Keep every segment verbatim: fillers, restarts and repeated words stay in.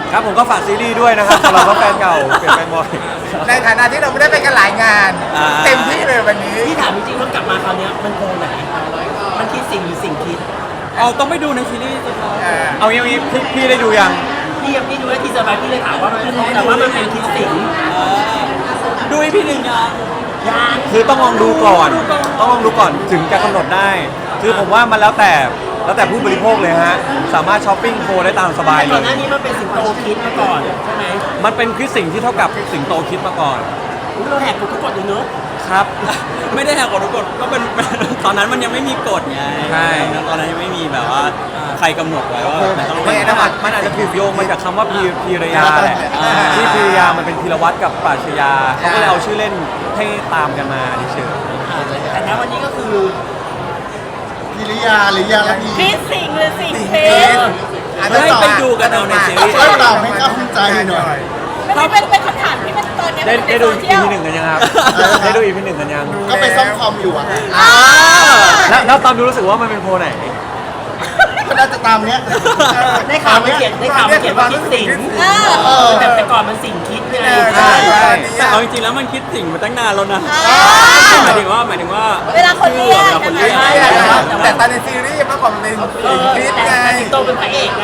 ครับผมก็ฝากซีรีส์ด้วยนะครับสำหรับว่าแฟนเก่าเปลี่ยนแฟนบ่อยในฐานะที่เราไม่ได้ไปกันหลายงานเต็มที่เลยวันนี้พี่ถามจริงๆว่ากลับมาคราวนี้มันโกไหนมันคิดสิ่งหรือสิ่งคิดเอาต้องไปดูในซีรีส์สิครับเอางี้งี้พี่พี่ได้ดูยังพี่ยังพี่ดูแล้วทีสบายพี่เลยถามว่ามันแต่ว่ามันเป็นคิดสิ่งดูอีพีหนึ่งยังยังคือต้องลองดูก่อน ต้องลองดูก่อนถึงจะกำหนดได้ คือผมว่ามันแล้วแต่แล้วแต่ผู้บริโภคเลยฮะสามารถช้อปปิ้งโคได้ตามสบายเลยก่อนหน้านี้มันเป็นสิงโตคิดมาก่อนใช่ไหมมันเป็นคิดสิ่งที่เท่ากับสิงโตคิดมาก่อนเราแหกกฎทุกกฎเลยเนอะครับไม่ได้แหกกฎทุกกฎก็เป็นตอนนั้นมันยังไม่มีกฎไงใช่ตอนนั้นยังไม่มีแบบว่าใครกำหนดไว้ว่ามันต้องไม่นะมันอาจจะถูกโยงมาจากคำว่าพีพีรยาแหละที่พีรยามันเป็นพีรวัตรกับปราชญาเขาก็เลยเอาชื่อเล่นให้ตามกันมาเฉยแต่ณวันนี้ก็คือพิริยาหรือยาละอีคิดสิ่งหรือสิ่งเพชรให้ไปดูกันเอาในซีรีส์ช่วยตอบให้เข้าใจหน่อยมันเป็นเป็นคำถามที่มันตอนนี้ได้ได้ดูอีพีหนึ่งกันยังครับได้ดูอีพีหนึ่งกันยังก็ไปซ่อมคอมอยู่อ่ะแล้วแล้วตอนดูรู้สึกว่ามันเป็นโพไหนก็น่าจะตามเนี้ยได้ข่าวมันเขียนได้ข่าวมันเขียนว่าคิดสิ่งแต่แต่ก่อนมันสิ่งคิดไงใช่ใช่แต่เอาจริงๆแล้วมันคิดสิ่งมาตั้งนานแล้วนะหมายถึงว่าหมายถึงว่าเวลาคนเรียกเวลาคนเรียกแต่ตอนในซีรีส์มันของเป็นคิดไงสิงโตเป็นพระเอกไง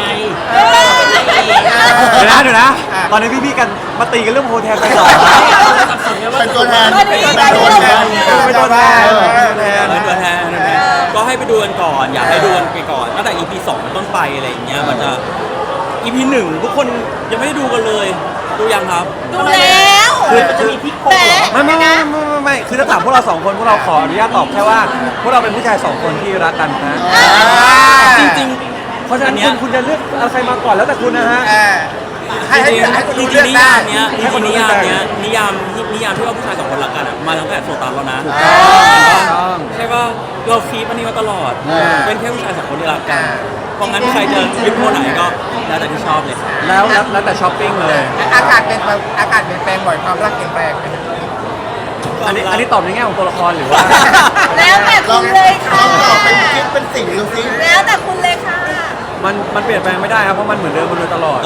เดี๋ยวนะเดี๋ยวนะตอนนี้พี่ๆกันมาตีกันเรื่องโพแทนไปหรอเป็นตัวแทนเป็นตัวแทนเป็นตัวแทนเป็นตัวแทนก็ให้ไปดูกันก่อนอยากให้ดูกันไปก่อนตั้งแต่ อี พี สองต้นไปอะไรอย่างเงี้ยมันจะ อี พี หนึ่งทุกคนยังไม่ได้ดูกันเลยดูยังครับดูแล้วคือมันจะมีพิกโกไม่ไม่ไม่ไม่ไม่คือถ้าถามพวกเราสองคนพวกเราขออนุญาตตอบแค่ว่าพวกเราเป็นผู้ชายสองคนที่รักกันนะจริงๆเพราะฉะนั้นคุณคุณจะเลือกเอาใครมาก่อนแล้วแต่คุณนะฮะจริงจริงนิยามเนี้ยจริงนิยามเนี้ยนิยามนิยามที่ว่าผู้ชายสองคนรักกันมาตั้งแต่โซตัสแล้วนะใช่ป่ะเราคีปอันนี้มาตลอดเป็นแค่ผู้ชายสองคนที่รักกันเพราะงั้นใครจะยึดโพไหนก็แล้วแต่ที่ชอบเลยแล้วแล้วแต่ช้อปปิ้งเลยอากาศเป็นอากาศเปลี่ยนแปลงบ่อยความรักเปลี่ยนแปลงอันนี้อันนี้ตอบในแง่ของตัวละครหรือว่าแล้วแต่คุณเลยค่ะตอบเป็นคิดเป็นสิ่งดูสิแล้วแต่คุณเลยค่ะมันมันเปลี่ยนแปลงไม่ได้ครับเพราะมันเหมือนเดิมมาโดยตลอด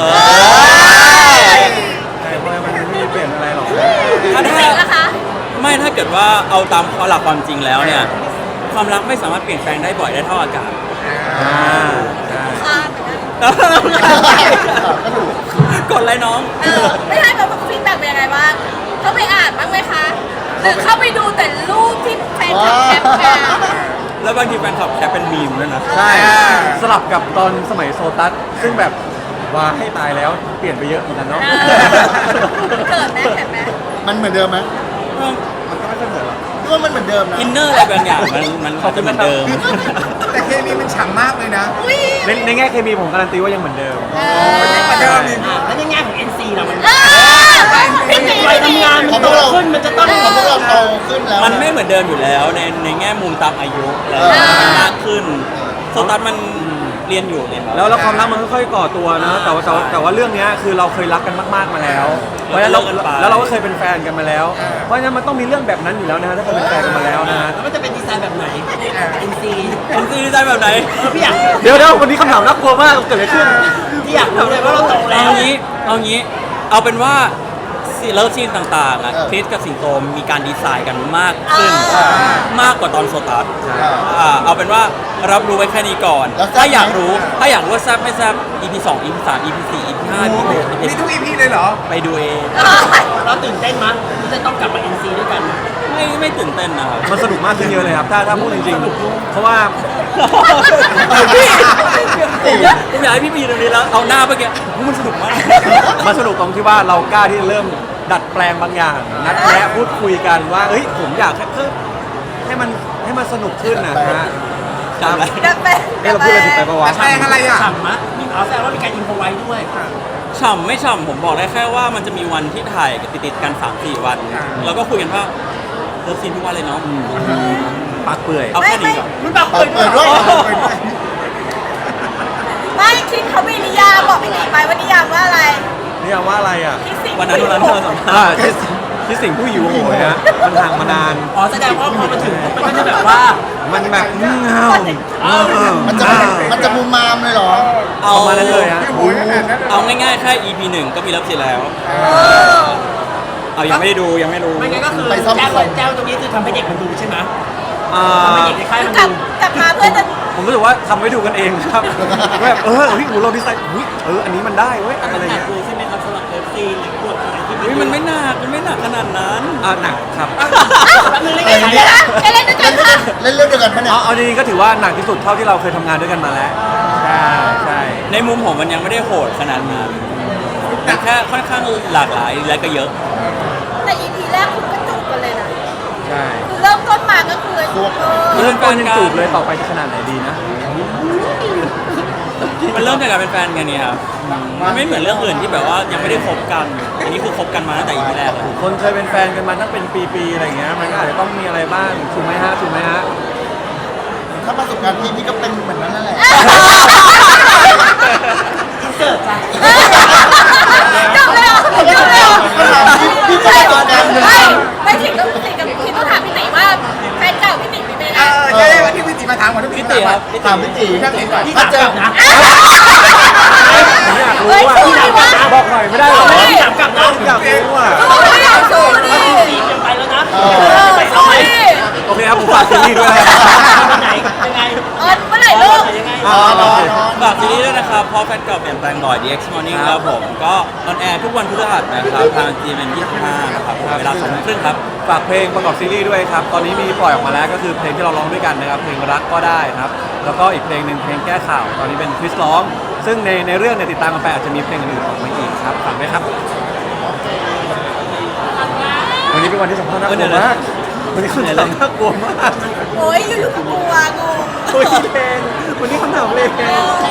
ใช่เพราะมันไม่เปลี่ยนอะไรหรอกถ้าไม่ถ้าเกิดว่าเอาตามหลักความจริงแล้วเนี่ยความรักไม่สามารถเปลี่ยนแปลงได้บ่อยได้เท่าอากาศกดอะไรน้องไม่ใช่แบบฟีดแบ็กเป็นยังไงบ้างเขาไปอ่านบ้างไหมคะหรือเข้าไปดูแต่รูปที่แฟนคลับแคปมาแล้วบางทีแฟนคลับแคปเป็นมีมด้วยนะใช่สลับกับตอนสมัยโซตัสซึ่งแบบว่าให้ตายแล้วเปลี่ยนไปเยอะเหมือนกันเนาะเกิดไหมเห็นไหมมันเหมือนเดิมไหมมันก็ไม่ค่อยเหมือนหรอกคิดว่ามันเหมือนเดิมนะอินเนอร์อะไรบางอย่างมันมันเขาจะเหมือนเดิมแต่เคมีมันฉ่ำมากเลยนะในในแง่เคมีผมการันตีว่ายังเหมือนเดิมเหมือนเดิมแล้วในแง่ของ เอ็น ซี เรามันไปทำงานมันโตขึ้นมันจะต้องของพวกเราโตขึ้นแล้วมันไม่เหมือนเดิมอยู่แล้วในในแง่มุมตามอายุแล้วมากขึ้นโซตัสมันเรียนอยู่เนี่ยแล้วแล้วความรักมันค่อยๆก่อตัวนะแต่ว่าแต่ว่าเรื่องนี้คือเราเคยรักกันมากๆมาแล้วเพราะฉะนั้นเราแล้วเราก็เคยเป็นแฟนกันมาแล้วเพราะฉะนั้นมันต้องมีเรื่องแบบนั้นอยู่แล้วนะถ้าเคยเป็นแฟนกันมาแล้วนะแล้วมันจะเป็นดีไซน์แบบไหน เอ็น ซีเอ็น ซี ดีไซน์แบบไหนพี่อยากเดี๋ยวเดี๋ยววันนี้คำถามน่ากลัวมากเกิดอะไรขึ้นพี่อยากรู้เลยว่าเราโตแล้วเอางี้เอางี้เอาเป็นว่าเลิฟซีนต่างๆอ่ะคริสกับสิงโตมีการดีไซน์กันมากขึ้นมากกว่าตอนโซตัสเอาเป็นว่ารับรู้ไว้แค่นี้ก่อนถ้าอยากรู้ถ้าอยากรู้ว่าแซ่บไม่แซ่บ อี พี สอง อี พี สาม อี พี สี่ อี พี ห้า อี พี หกมีทุก อี พี เลยเหรอไปดูเองเราตื่นเต้นมั้ยที่จะต้องกลับมา เอ็น ซี ด้วยกันไม่ไม่ตื่นเต้นนะครับมันสนุกมากขึ้นเยอะเลยครับถ้าถ้าพูดจริงๆเพราะว่าผมอยากให้พี่พีตรงนี้แล้วเอาหน้าเมื่อกี้มันสนุกมากมันสนุกตรงที่ว่าเรากล้าที่เริ่มดัดแปลงบางอย่างนัดแนะพูดคุยกันว่าเฮ้ยผมอยากให้ให้มันให้มันสนุกขึ้นนะฮะจำอะไรดัดแปลงเราพูดอะไรผิดไปปะวะแปลงอะไรอ่ะฉ่ำมะมีเอาแสดงว่ามีการอินโฟไว้ด้วยฉ่ำไม่ฉ่ำผมบอกได้แค่ว่ามันจะมีวันที่ถ่ายติดๆกัน สามสี่ วันแล้วก็คุยกันว่าเลิฟซีนทุกวันเลยเนาะปากเปื่อยเอาแค่นี้ก่อนมันปากเปื่อยด้วยไม่คิดเขามีนิยามบอกพี่หนีไปว่านิยามว่าอะไรนิยามว่าอะไรอ่ะวันนั้นวันนั้นเธอสัมภาษณ์ที่สิ่งผู้หิวโหยฮะมันห่างมานานอ๋อแสดงว่าพอมาถึงมันก็จะแบบว่ามันแบบเงามันจะมันจะมุมมามเลยเหรอเอาประมาณนั้นเลยฮะโอ้ยขนาดนั้นเลยเอาง่ายๆแค่ อี พี หนึ่งก็มีเลิฟซีนแล้วเอายังไม่ได้ดูยังไม่รู้ไม่งั้นก็คือไปซ่อมแจ้วคอมแจ้วตรงนี้คือทำให้เด็กมันดูใช่ไหมอ่าทำให้เด็กในค่ายมันกลับดูกลับมาเพื่อจะผมรู้สึกว่าทำไว้ดูกันเองครับแบบเออเฮ้ยโหเราดีไซน์เฮ้ยเอออันนี้มันได้เว้ยอะไรหนักเงี้ยเลยใช่ไหมครับสำหรับเลิฟซีนหรือบทอะไรที่เฮ้ยมันไม่หนักมันไม่หนักขนาดนั้นอ่าหนักครับแป๊บนึงเลยเดี๋ยวนะจะเล่นด้วยกันค่ะเล่นเรื่องเดียวกันปะเนี่ยเอาเอาจริงๆก็ถือว่าหนักที่สุดเท่าที่เราเคยทำงานด้วยกันมาแล้วใช่ใช่ในมุมผมมันยังไม่ได้โหดขนาดนั้นมันแค่ค่อนข้างหลากหลายและก็เยอะแต่ อี พี แรกคุณก็จูบกันเลยนะใช่คือเริ่มต้นมาก็คือเออเริ่มต้นยังจูบเลยต่อไปจะขนาดไหนดีนะมันเริ่มจากการเป็นแฟนกันเนี่ยครับมันไม่เหมือนเรื่องอื่นที่แบบว่ายังไม่ได้คบกัน อันนี้คือคบกันมาตั้งแต่ อี พี แรกเลยคนเคยเป็นแฟนกันมาตั้งเป็นปีๆอะไรเงี้ยมันก็อาจจะต้องมีอะไรบ้างถูกไหมฮะถูกไหมฮะถ้าประสบการณ์พี่พี่ก็เป็นเหมือนนั้นนั่นแหละอินเสิร์ตจ้ะจบเลยเหรอจบเลยเหรอพี่ก็ประสบการณ์เหมือนไม่กันไม่ถึงต้องติกับพี่ต้องถามพี่ติว่าแฟนเก่าพี่ติเป็นยังไงเออใช่วันที่พี่ติมาถามก่อนที่พี่พี่ติครับถามพี่ตีพี่ติก่อนพี่ถ้าถามเจกอลับนะผมอยากรู้เฮ้ยว่าสู้ดิวะบอกหน่อยไม่ได้เหรอพี่ถามกลับนะอยากรู้อ่ะสู้ดิสู้ดิซีนยังไปแล้วนะเออไปเอาสู้ไหมดิโอเคครับผมฝากซีรีส์ด้วยนะครับไหนยังไงเออเมื่อไหร่ลูกยังไงอ๋อโอเคฝากซีรีส์ด้วยนะครับเพราะแฟนเก่าเปลี่ยนแปลงบ่อย ดี เอ็กซ์ Morning ครับผม ก็ออนแอร์ทุกวันพฤหัสนะครับ ทาง จี เอ็ม เอ็ม ยี่สิบห้านะครับผมเวลาสองทุ่มครึ่งครับฝากเพลงประกอบซีรีส์ด้วยครับ ตอนนี้มีปล่อยออกมาแล้วก็คือเพลงที่เราร้องด้วยกันนะครับ เพลงรักก็ได้ครับ แล้วก็อีกเพลงหนึ่งเพลงแก้ข่าว ตอนนี้เป็นคริสร้อง ซึ่งในในเรื่องเนี่ยติดตามกันไปอาจจะมีเพลงอื่นๆออกมาอีกครับ ฝากด้วยครับ วันนี้เป็นวันที่สัมภาษณ์น่ากลัวมาก วันนี้คำถามน่ากลัวมากโอ้ยอยู่ๆก็กลัวงงโอ้ยเพลงวันนี้คำถามเพลง